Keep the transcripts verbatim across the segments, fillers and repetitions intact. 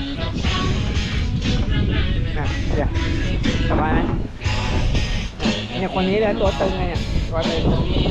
อ่ะเดี๋ยวสบายไหมเนี่ยคนนี้เลยตัวตึงไงเนี่ยตัวตึง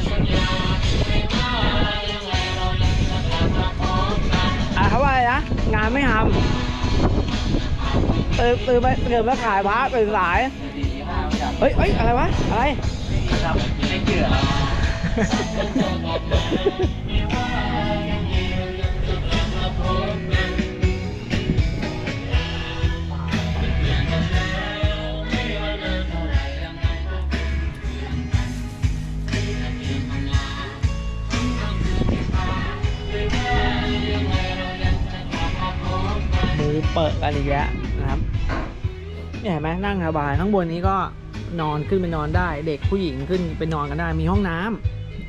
อ่ะเขาว่าอะไรนะงานไม่ทำตื่นตื่นไปตื่นมาขายพระตื่นสายเฮ้ยเฮ้ยอะไรวะอะไรครับไม่เชื่อมือเปิดกันอีกแล้วนะครับเนี่ยเห็นไหมนั่งสบายข้างบนนี้ก็นอนขึ้นไปนอนได้เด็กผู้หญิงขึ้นไปนอนกันได้มีห้องน้ำ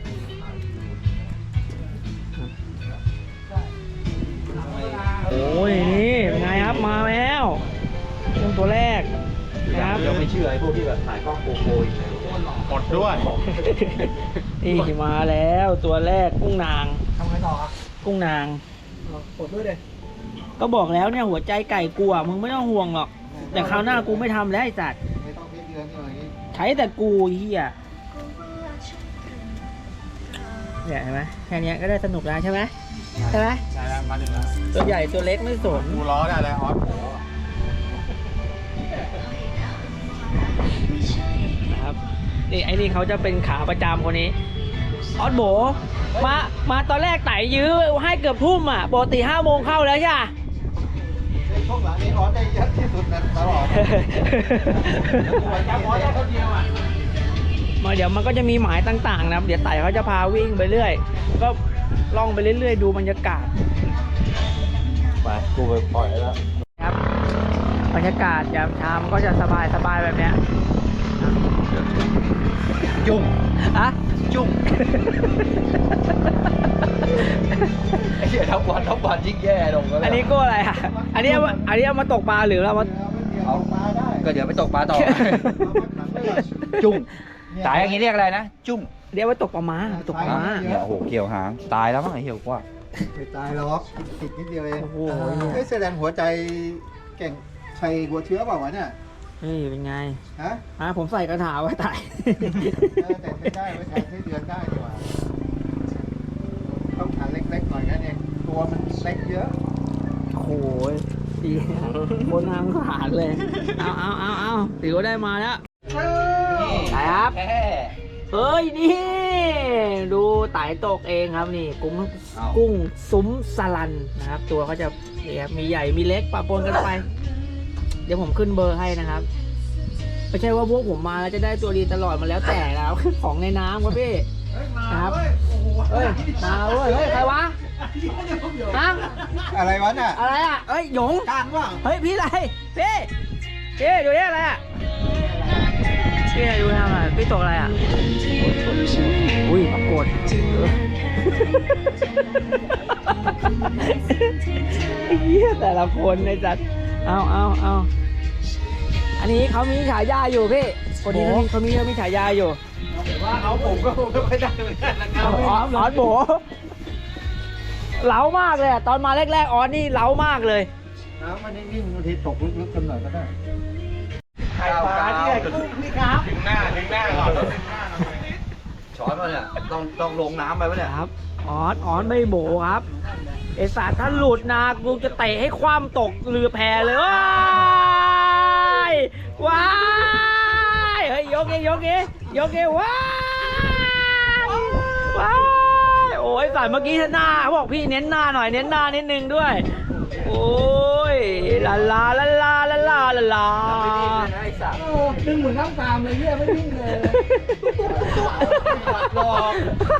โอ้ยนี่เป็นไงครับมาแล้วเรื่องตัวแรกนะครับยังไม่เชื่อไอ้พวกที่แบบถ่ายกล้องโกโก้หมดด้วยนี่มาแล้วตัวแรกกุ้งนางทำไงต่อครับกุ้งนางกดด้วยเลยก็บอกแล้วเนี่ยหัวใจไก่กูอ่ะมึงไม่ต้องห่วงหรอกแต่คราวหน้ากูไม่ทำแล้วไอ้สัตว์ไม่ต้องพิจารณาอย่างนี้ใช้แต่กูเฮียเนี่ยเห็นไหมแค่นี้ก็ได้สนุกแล้วใช่ไหมใช่ไหมใช่แล้วมาถึงแล้วตัวใหญ่ตัวเล็กไม่สนกูล้อได้แล้วออสโหนะครับนี่ไอ้นี่เขาจะเป็นขาประจำคนนี้ออสโบมามาตอนแรกไต่ยื้อให้เกือบทุ่มอ่ะปกติห้าโมงเข้าแล้วใช่ไหมในช่วงหลังนี้ออสได้เยอะที่สุดนะตลอดออสได้คนเดียวอ่ะมาเดี๋ยวมันก็จะมีหมายต่างๆนะครับเดี๋ยวไต่เขาจะพาวิ่งไปเรื่อยก็ล่องไปเรื่อยๆดูบรรยากาศไปกูไปปล่อยแล้วครับบรรยากาศยามเช้ามันก็จะสบายสบายแบบเนี้ยจุ้งอะจุ้งไอ้เหี้ยทั้งวันทั้งวันยิ่งแย่ลงแล้วอันนี้ก็อะไรอ่ะอันนี้เอามาอันนี้เอามาตกปลาหรือเรามาเอาปลาได้ก็เดี๋ยวไปตกปลาต่อ จุ้งตายอย่างนี้เรียกอะไรนะจุ้งเรียกว่าตกปลาม้าตกปลาม้าเนี่ยโอ้โหเกี่ยวหางตายแล้วมั้งไอ้เหี้ยกว่าไม่ตายหรอกติดนิดเดียวเองโอ้โหเฮ้ยแสดงหัวใจเก่งใส่หัวเชื้อเปล่าวะเนี่ยนี่เป็นไงฮะอ่ะผมใส่กระถาไว้ไต่เออแต่ไม่ได้ไว้แทนไส้เดือนได้ดีกว่าต้องขาเล็กๆหน่อยนั่นเองตัวมันเล็กเยอะโอ้โหดีบนทางผ่านเลยเอาเอาเอาเอาถือว่าได้มาแล้วไต่ครับเฮ้ยนี่ดูไต่ตกเองครับนี่กุ้งกุ้งซุ้มสลันนะครับตัวเขาจะนี่ครับมีใหญ่มีเล็กปะปนกันไปเดี๋ยวผมขึ้นเบอร์ให้นะครับไม่ใช่ว่าพวกผมมาแล้วจะได้ตัวดีตลอดมาแล้วแต่แล้ว ของในน้ำครับพี่นะครับเฮ้ยมาเว้ยเฮ้ยใครวะฮะอะไรวะน่ะอะไรอ่ะเฮ้ยหยงกลางว่ะเฮ้ยพี่อะไรพี่พี่ดูนี่อะไรอ่ะพี่อะไรดูทำอะไรพี่ตกอะไรอ่ะอุ้ยปรากฏเฮียแต่ละคนในจัดเอาเอาเอาอันนี้เขามีฉายาอยู่พี่คนนี้เขามีเขามีเขามีฉายาอยู่ว่าเอาผมก็ไม่ได้เหมือนกันนะครับออสออสโบเล้ามากเลยอะตอนมาแรกๆออสนี่เล้ามากเลยน้ำมันนิ่งๆบางทีตกลึกๆกันหน่อยก็ได้ไข่ปลาที่ไหนกุ้งนี่ครับถึงหน้าถึงหน้าก่อนช้อนมาเนี่ยต้องต้องลงน้ำไปปะเนี่ยครับออสออสไม่โบครับไอสัตว์ถ้าหลุดนากูจะเตะให้คว่ำตกเรือแพเลยว้ายว้ายเฮ้ยยกเองยกเองยกเองว้ายว้ายโอ้ยสัตว์เมื่อกี้หน้าเขาบอกพี่เน้นหน้าหน่อยเน้นหน้านิดนึงด้วยโอ้ยลาลาลาลาลาลาลาลาไอ้สัตว์ดึงเหมือนน้ำตามเลยเนี่ยไม่นิ่งเลยหลอก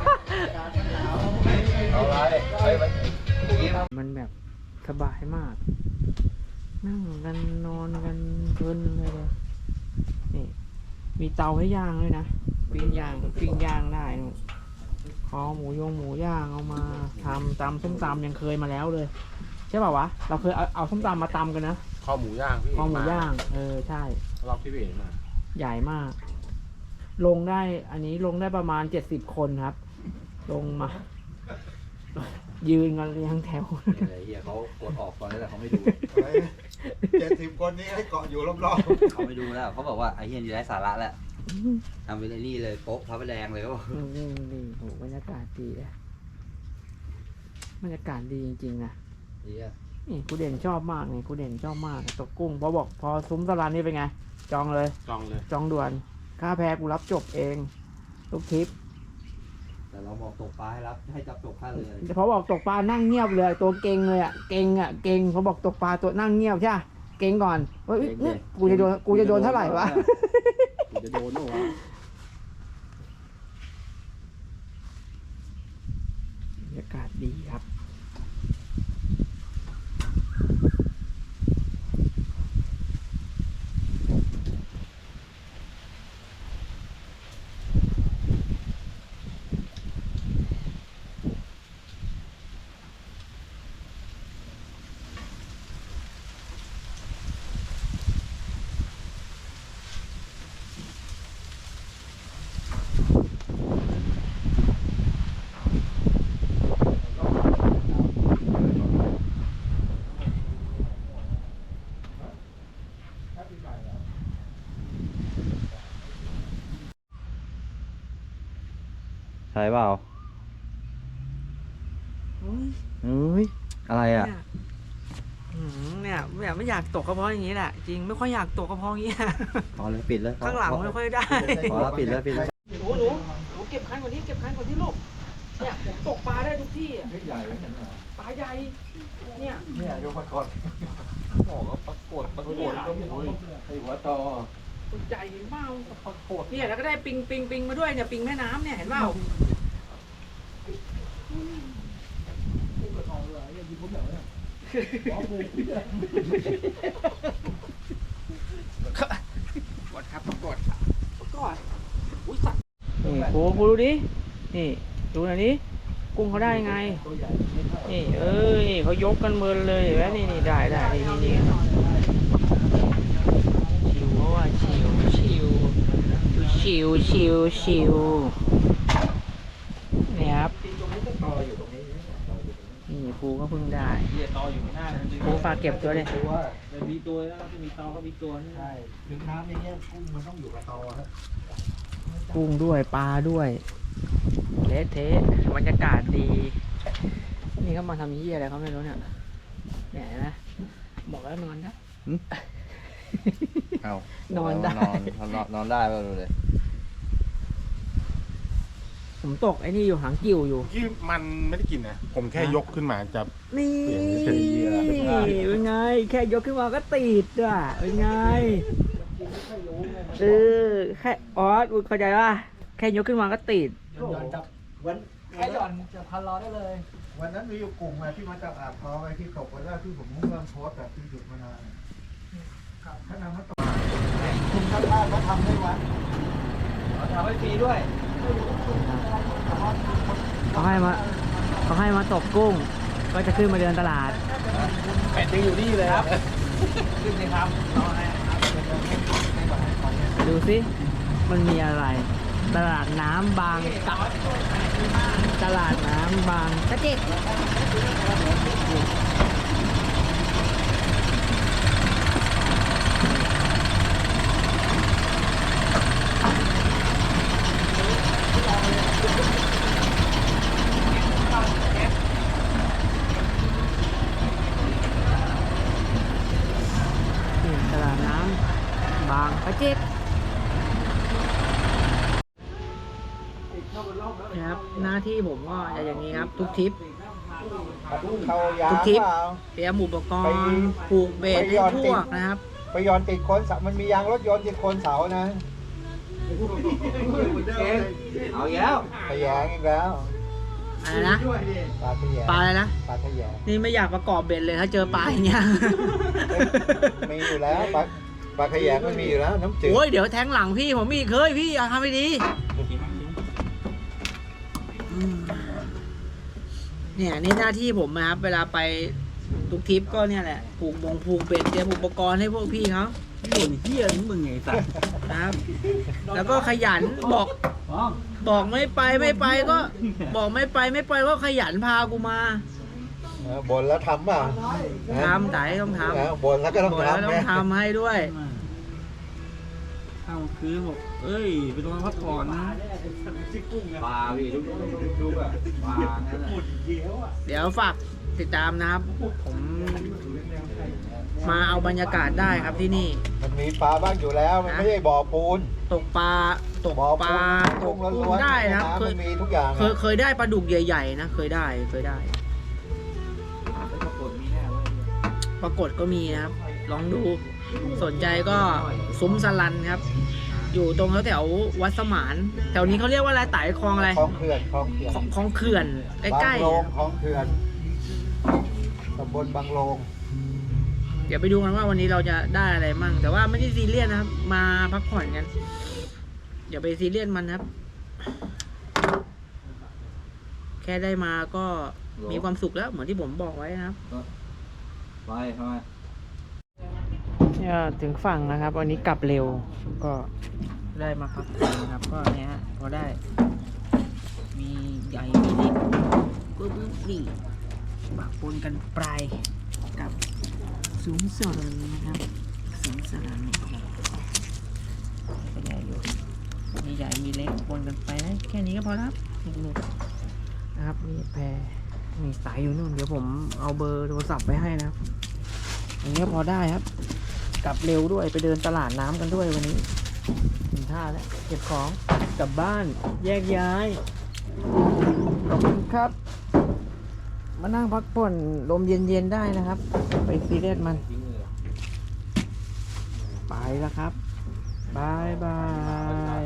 เอาไรเฮ้ยมันมันแบบสบายมาก นั่งกันนอนกันเพลินเลยเลยนี่มีเตาให้ย่างด้วยนะปิ้งย่างปิ้งย่างได้นู่นคอหมูยงหมูย่างเอามาทำตำส้มตำยังเคยมาแล้วเลยใช่ป่าวะเราเคยเอาเอาส้มตำมาตำกันนะข้าวหมูย่างพี่คอหมูย่างเออใช่รอบที่พี่เห็นมาใหญ่มาก ลงได้อันนี้ลงได้ประมาณเจ็ดสิบคนครับ ลงมายืนกันเรียงแถวนี่เลยเฮียเขากดออกตอนนี้แต่เขาไม่ดูเจ็ดสิบคนนี้ให้เกาะอยู่รอบเขาไม่ดูแล้วเขาบอกว่าไอ้เฮียนี่ไร้สาระแล้วทำไปเลยนี่เลยโป๊ะพระประแดงเลยเขาบอกนี่นี่โหบรรยากาศดีเลยบรรยากาศดีจริงๆนะเฮียนี่กูเด่นชอบมากนี่กูเด่นชอบมากตกกุ้งพอบอกพอซุ้มตลาดนี่เป็นไง จองเลยจองเลยจองด่วน ค่าแพกูรับจบเองทุกทริปแต่เราบอกตกปลาให้รับให้จับจบค่าเรือแต่พอบอกตกปลานั่งเงียบเลย ตัวเก่งเลยอ่ะเก่งอ่ะเก่งพอบอกตกปลาตัวนั่งเงียบใช่ปะเก่งก่อนเฮ้ยเนี่ยกูจะโดนกูจะโดนเท่าไหร่วะกูจะโดนหรอวะบรรยากาศดีครับใช่เปล่าเฮ้ยเฮ้ยอะไรอ่ะเนี่ยอืมเนี่ยแบบไม่อยากตกก็เพราะอย่างนี้แหละจริงไม่ค่อยอยากตกก็เพราะอย่างนี้แหละพอเลยปิดเลยข้างหลังไม่ค่อยได้พอแล้วปิดแล้วปิดแล้วหนูหนูหนูเก็บคันกว่านี้เก็บคันกว่าที่ลูกเนี่ยผมตกปลาได้ทุกที่อะปลาใหญ่เนี่ยๆเนี่ยยกมาก่อนบอกว่าปรากฏปรากฏก็โอ้ยไอ้หัวตอตัวใหญ่เห็นเปล่าปรากฏเนี่ยแล้วก็ได้ปิงปิงปิงมาด้วยเนี่ยปิงแม่น้ำเนี่ยเห็นเปล่ากดครับกดกดอุ้ยสัตว์นี่โค้กูดูดินี่ดูหน่อยดิกุ้งเขาได้ไงนี่เอ้ยเขายกกันเมินเลยเห็นไหมนี่นี่ได้ได้นี่นี่ชิวว่าชิวชิวชิวชิวชิวนี่ครับนี่ครูก็เพิ่งได้เหี้ยตออยู่ข้างหน้ามันครูฝากเก็บตัวเลยมันมีตัวแล้วจะมีตอก็มีตัวนี่ใช่ถึงน้ำอย่างเงี้ยกุ้งมันต้องอยู่กับตอครับกุ้งด้วยปลาด้วยเละเทะบรรยากาศดี นี่เขามาทำยี่อะไรเขาไม่รู้เนี่ยเนี่ยเห็นไหมบอกแล้วนอนได้เอานอนได้นอนนอนนอนได้ป่ะดูเลยผมตกไอ้นี่อยู่หางกิ่วอยู่ที่มันไม่ได้กินนะผมแค่ยกขึ้นมาจับนี่เปลี่ยนเฉยๆอะเป็นไง แค่ยกขึ้นมาก็ติดอ่ะเป็นไงเออแค่ออสอุ๊ยเข้าใจป่ะแค่ยกขึ้นมาก็ติดย้อนจับวันแค่หย่อนจะพันรอได้เลยวันนั้นมีอยู่กลุ่มอะที่มาจากอ่างทองไอ้ที่ตกวันแรกที่ผมเริ่มโพสต์แบบที่หยุดมานานถ้านำมาตกคุณท่านบ้านมาทำได้วันทำให้ฟรีด้วยเขาให้มาเขาให้มาตกกุ้ง ก็จะขึ้นมาเดินตลาดเป็ดยังอยู่นี่เลยครับขึ้นเลยครับดูสิ มันมีอะไร ตลาดน้ำบางกะตลาดน้ำบางกะเจ็ดนี่ตลาดน้ำบางกะเจ็ดครับหน้าที่ผมก็จะอย่างนี้ครับ ทุกทริปเข้ายาทุกทริปเปล่าเตรียมอุปกรณ์ผูกเบสให้พวกนะครับไปย้อนติดโคนเสามันมียางรถยนต์ติดโคนเสานะเอาอีกแล้วขยงอีกแล้วอะไรนะปลาขยงปลาอะไรนะปลาขยงนี่ไม่อยากประกอบเบ็ดเลยถ้าเจอปลาอย่างเงี้ยมีอยู่แล้วปลาปลาขยงมันมีอยู่แล้วน้ำจืดโอ้ยเดี๋ยวแทงหลังพี่ผมมีเคยพี่อย่าทำไม่ดีอืมเนี่ยนี่หน้าที่ผมนะครับ เวลาไปทุกทริปก็เนี่ยแหละผูกบงผูกเบ็ดเตรียมอุปกรณ์ให้พวกพี่เขาคนเฮียนี่มึงไงสัตว์นะครับ แล้วก็ขยันบอกบอกไม่ไปไม่ไปก็ บอกไม่ไปไม่ไปก็ขยันพากูมาเออบนแล้วทำเปล่าทำไต่ต้องทเออบนแล้วก็ำต้องบอกแล้วทำต้องนะทำให้ด้วยข้าวคือบอกเอ้ยไปนอนพักผ่อนนะปลาพี่ทุกทุกอะปลานั่นแหละเดี๋ยวฝากติดตามนะครับ ผมมาเอาบรรยากาศได้ครับที่นี่มันมีปลาบ้างอยู่แล้ว มันไม่ใช่บ่อปูนตกปลาตกบ่อปปูลาน ตกุ้กงกุ้ล้งวนๆได้นะครับเคมัยนมีทุกอย่างเคยเคยได้ปลาดุกใหญ่ๆนะเคยได้เคยได้ปรากฏมีแน่เลยปรากฏก็มีนะครับ ลองดูสนใจก็ซุ้มสลันครับ อยู่ตรงแถวๆวัดสมานแถวนี้เขาเรียกว่าอะไรไต่คลองอะไรคลองเขื่อนคลองเขื่อนของของเขื่อนใกล้บางโลงคลองเขื่อนตำบลบางโลงๆเดี๋ยวไปดูกันว่าวันนี้เราจะได้อะไรมั่ง แต่ว่าไม่ได้ซีเรียสนะครับ มาพักผ่อนกันอย่าไปซีเรียสมันครับ แค่ได้มาก็มีความสุขแล้วเหมือนที่ผมบอกไว้นะครับไปทำไมเนี่ยถึงฝั่งนะครับ วันนี้กลับเร็วก็ได้มาพักผ่อนนะครับ ก็เนี้ยพอได้ มีใหญ่มีเล็กก็บึ้งนี่ปะปนกันปลายกับสูงสนนะครับสูงสนนะครับก็ใหญ่อยู่มีใหญ่มีเล็กปนกันไปนะแค่นี้ก็พอแล้วครับหนุกๆนะครับนี่แพรมีสายอยู่นู่นเดี๋ยวผมเอาเบอร์โทรศัพท์ไปให้นะครับอันนี้พอได้ครับ กลับเร็วด้วยไปเดินตลาดน้ำกันด้วยวันนี้ถึงท่าแล้วเก็บของกลับบ้านแยกย้ายขอบคุณครับ มานั่งพักผ่อนลมเย็นๆได้นะครับ ไปซีเรียสมันไปแล้วครับบายบาย